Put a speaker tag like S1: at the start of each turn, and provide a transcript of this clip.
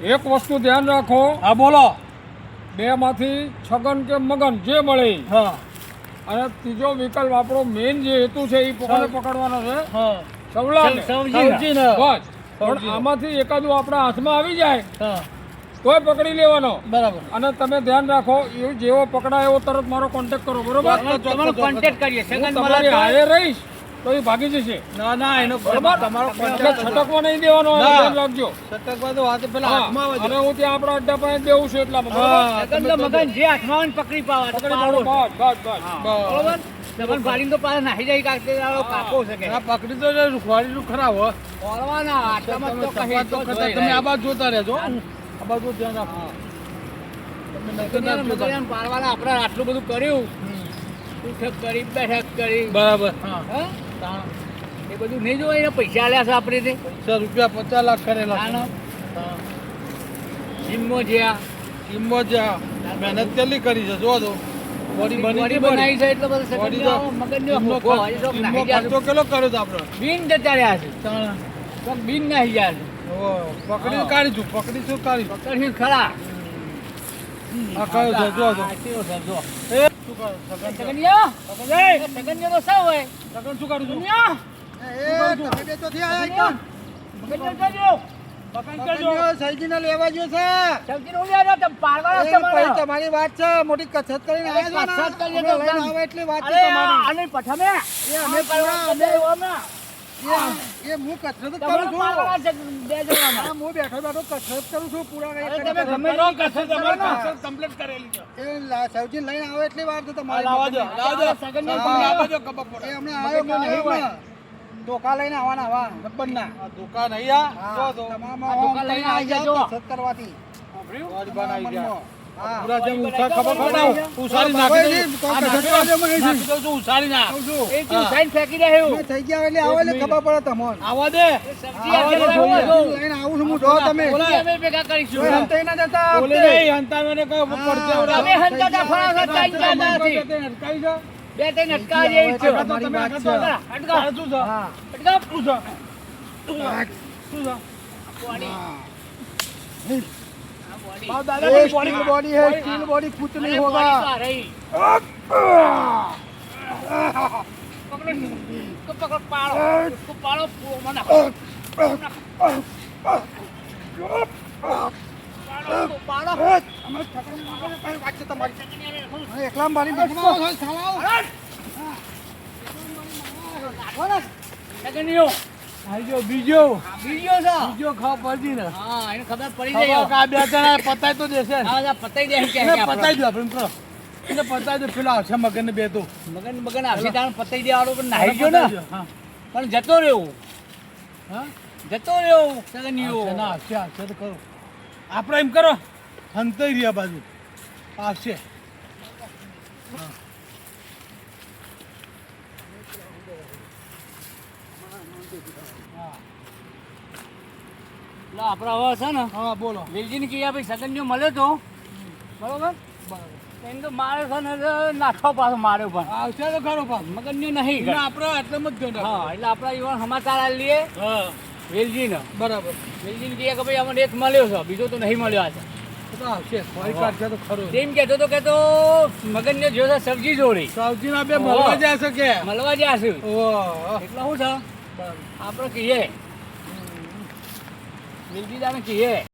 S1: એક વસ્તુ ધ્યાન રાખો.
S2: હા બોલો.
S1: બે માંથી છગન કે મગન જે મળે ઈ.
S2: હા
S1: અને ત્રીજો વિકલ્પ આપણો મેઇન જે હેતુ છે એ પકડવાનો છે
S2: હા
S1: સવલાને.
S2: સવજીને.
S1: બસ. પણ
S2: સવજીને.
S1: આમાંથી એકાદું આપણા હાથમાં આવી જાય
S2: હા
S1: તોય પકડી લેવાનો.
S2: બરાબર.
S1: અને તમે ધ્યાન રાખો એ જેવો પકડાય એવો તરત મારો કોન્ટેક્ટ કરો, બરોબર?
S2: તમારો કોન્ટેક્ટ કરીએ.
S1: હું તમારી હારે રહીશ તો એ ભાગી જશે.
S2: ના ના એનો
S1: બરોબર?
S2: તમારો
S1: એટલે
S2: કોન્ટેક્ટ
S1: છટકવા નહીં દેવાનો, એનું
S2: ના.
S1: ધ્યાન રાખજો.
S2: સટકવા તો વાત પેલા
S1: હા.
S2: હાથમાં આવે
S1: અને હું ત્યાં આપણા અડ્ડા પાસે બેવું છું એટલામાં, બરોબર?
S2: હા તમે મગન જે હાથમાં પકડી પાવા
S1: પકડી પાડો. બસ બસ બસ.
S2: બરોબર. તમને ગાડીને તો પાછા નાહી જાય કાઢતે કાપો શકે. આ પકડી તો રૂખવાડીનું ખરાબ હો. ઓળવાના આટલામાં તો કહી તો તમે આ બાજુ જોતા રહેજો. આ બાજુ ધ્યાન રાખો. તમે પાડવાના આપણે આટલું બધું કર્યું. ઉઠક કરી બેઠક કરી. બરાબર. હા એ બધું નહીં જોવાય ને પૈસા આલ્યા છે આપણે તે. રૂપિયા 50 લાખ કરેલા. જીમમાં જ્યાં મહેનત કેટલી કરી છે જો તો. બોડી બનાવી છે એટલે બધું ખર્ચો કેટલો કર્યો તો આપણે. બીન જતા રહ્યા છે. બીન નાહી ગયા છે. પકડી કાઢીશું પકડી ખરા. આ કયો છે જો તો. એ શું કરો સગનિયા તો સાવ હોય. સગન શું કાઢું છું?
S3: તમારી વાત છે મોટી કસરત કરીને હું કસરત કરું છું. હું બેઠો બેઠો કસરત કરું છું. પૂરા
S2: કમ્પ્લીટ કરેલી છે.
S3: સૌજી લઈને આવે એટલી વાર છે તમારી. હમણાં આવ્યો ધોકા લઈને આવવાના આવા ગબ્બરના
S2: દુકાન અહીંયા
S3: ધોકા લઈને આવી જાજો કસરત કરવાથી.
S2: પૂરા જેમ ઉછાળ ખબર પડે ઉછાળી નાખી દઉં ઉછાળી નાખ
S3: થઈ ગયા એટલે આવો એટલે ખબર પડે તમને.
S2: આવા દે
S3: લઈને આવું છું હું જો તમે
S2: ભેગા કરીશું
S3: હંતાઈ ના જતા
S2: બોલે નહીં હંતાને કયો પડશે
S3: તમે હંતાતા ફળા હતા
S2: હંતાઈ જા
S3: બે ત્રણ અટકા જેવી છે.
S2: તમારી વાત છે.
S3: અટકા
S2: શું છે
S3: હા
S2: અટકા શું છે શું છે दादा
S3: स्टील बॉडी है स्टील बॉडी कुछ नहीं होगा. એકલા મારી
S2: બીજો
S3: ખબર
S2: પડી ને
S3: પડી જાય
S2: બે જણા પતાય તો દેશે
S3: પતાઈ દે
S2: પતાઈ દો આપણે કરો એને પતાઈ દો પેલા આવશે મગન ને બે તો
S3: મગન આવશે તાણ પતાઈ દેવાનું પણ નાહી ગયો ને પણ જતો રહ્યો સગનિયો
S2: ના આવશે તો કરો આપણે એમ કરો હંતાઈ રહ્યા બાજુ આવશે
S3: આપડા હવે છે ને
S2: હા બોલો
S3: વેલજીને કીયા ભાઈ સગનિયો મળ્યો તો બરોબર એને તો મારે છે ને નાખો પાછો માર્યો પણ
S2: આવશે તો ખરો પાછો
S3: મગનની નહીં
S2: આપણે આટલામાં જ ધ્યાન
S3: હા એટલે આપણા યુવાન સમાચાર આ લઈએ
S2: હા
S3: વેલજીને
S2: બરાબર
S3: વેલજીને કહીએ કે ભાઈ અમને એક મળ્યો છે બીજો તો નહીં મળ્યો આજે
S2: તો આવશે ફરી કાઢશે તો ખરો
S3: તેમ કહેતો તો કે તો મગનને જો છે સબ્જી જોડી
S2: સાવજી ના બે મળવા જશે કે
S3: મળવા જ્યાં છે
S2: ઓહ
S3: એટલે શું છે આપણે કહીએ વેલજી દાને કહીએ